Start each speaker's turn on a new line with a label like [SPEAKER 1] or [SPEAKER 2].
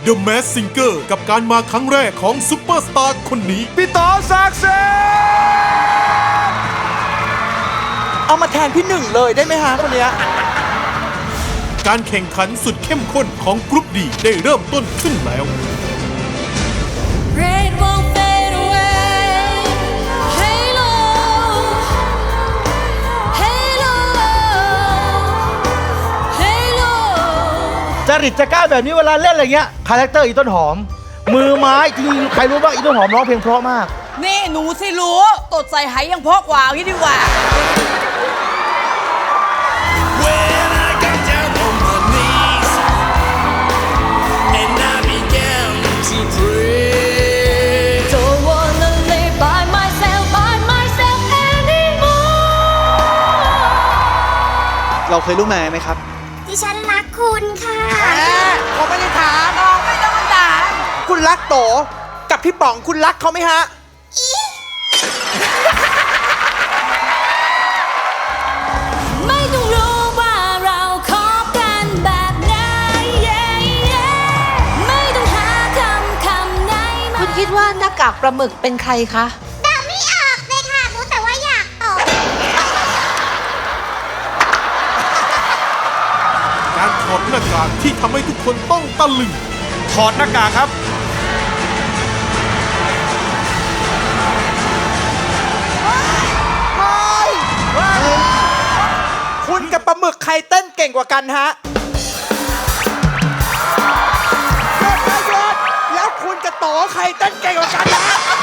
[SPEAKER 1] The Mask Singer กับการมาครั้งแรกของซุปเปอร์สตาร์คนนี้
[SPEAKER 2] พี่ต่อศักดิ์สิทธิ์เอามาแทนพี่หนึ่งเลยได้ไหมฮะคนเนี้ย
[SPEAKER 1] การแข่งขันสุดเข้มข้นของกรุ๊ปดีได้เริ่มต้นขึ้นแล้ว
[SPEAKER 3] จริตจะกล้าแบบนี้เวลาเล่นอะไรเงี้ยคาแรคเตอร์อีต้นหอมมือไม้จริงใครรู้บ้างอีต้นหอมร้องเพลงเพราะมาก
[SPEAKER 4] นี่หนูสิรู้ตดใส่ไหยังเพราะกว่าพี่ดีกว่า
[SPEAKER 2] เราเคยรู้มาไหมครับ
[SPEAKER 5] ดิฉันรักคุณค่ะ
[SPEAKER 2] เขาไม่ได้ถามน้องไม่ต้องถามคุณรักโตกับพี่ป๋องคุณรักเขาไหมฮะ
[SPEAKER 5] ไม่ต้องรู้ว่าเราคบกันแบบไหนไม่ต้องหาคำไหน
[SPEAKER 4] คุณคิดว่าหน้ากากปลาหมึกเป็นใครคะ
[SPEAKER 5] เดาไม่ออกเลยค่ะรู้แต่ว่าอยากตอบ
[SPEAKER 1] การถอดหน้ากากที่ทำให้ทุกคนต้องตะลึง
[SPEAKER 2] ถอดหน้ากากครับคุณกับปลาหมึกใครเต้นเก่งกว่ากันฮะหยุดแล้วคุณกับโตใครเต้นเก่งกว่ากันฮะ